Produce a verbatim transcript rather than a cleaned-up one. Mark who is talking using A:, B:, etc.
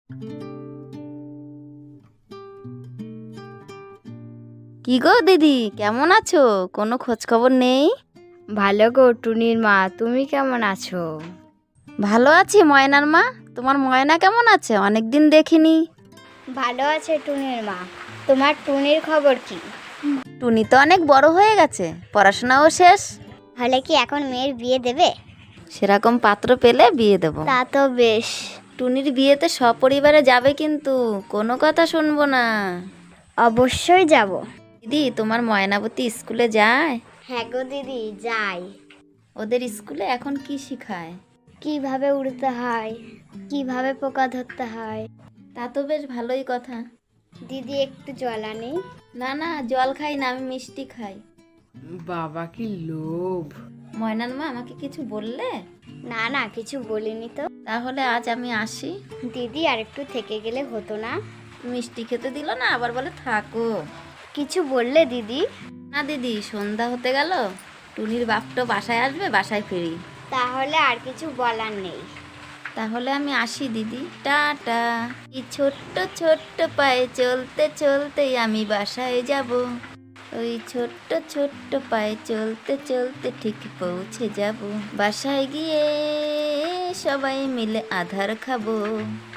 A: কি গো দিদি, কেমন আছো? কোনো খোঁজ খবর নেই।
B: ভালো গো টুনির মা, তুমি কেমন আছো?
A: ভালো আছি ময়নার মা। তোমার ময়না কেমন আছে? অনেকদিন দেখিনি।
B: ভালো আছে টুনির মা। তোমার টুনির খবর কি?
A: টুনি তো অনেক বড় হয়ে গেছে, পড়াশোনাও শেষ।
B: হলে কি এখন মেয়ের বিয়ে দেবে?
A: সেরকম পাত্র পেলে বিয়ে দেব।
B: তা তো বেশ।
A: টুনির বিয়েতে সপরিবারে যাবে, কিন্তু কোনো কথা শুনবো না।
B: অবশ্যই যাব।
A: দিদি, তোমার ময়নাবতী স্কুলে যায়?
B: হ্যাঁ গো দিদি, যাই।
A: ওদের স্কুলে এখন কি শেখায়?
B: কিভাবে উড়তে হয়, কিভাবে পোকা ধরতে হয়।
A: তা তো বেশ ভালোই কথা।
B: দিদি একটু জল আনি।
A: না না, জল খাই না, আমি মিষ্টি খাই।
C: বাবা কি লোভ!
A: ময়নার মা, আমাকে কিছু বললে?
B: না না, কিছু বলিনি তো।
A: তাহলে আজ আমি আসি।
B: দিদি আর একটু থেকে গেলে হতো না?
A: মিষ্টি খেতে দিল না, আবার বলে থাকো।
B: কিছু বললে দিদি?
A: না দিদি, সন্ধ্যা হতে গেল, টুনির বাপ তো বাসায় আসবে, বাসায় ফিরি।
B: তাহলে আর কিছু বলার নেই।
A: তাহলে আমি আসি দিদি, টাটা। এই ছোট্ট ছোট্ট পায়ে চলতে চলতে আমি বাসায় যাব। ওই ছোট্ট ছোট্ট পায়ে চলতে চলতে ঠিক পৌঁছে যাব। বাসায় গিয়ে সবাই মিলে আধার খাবো।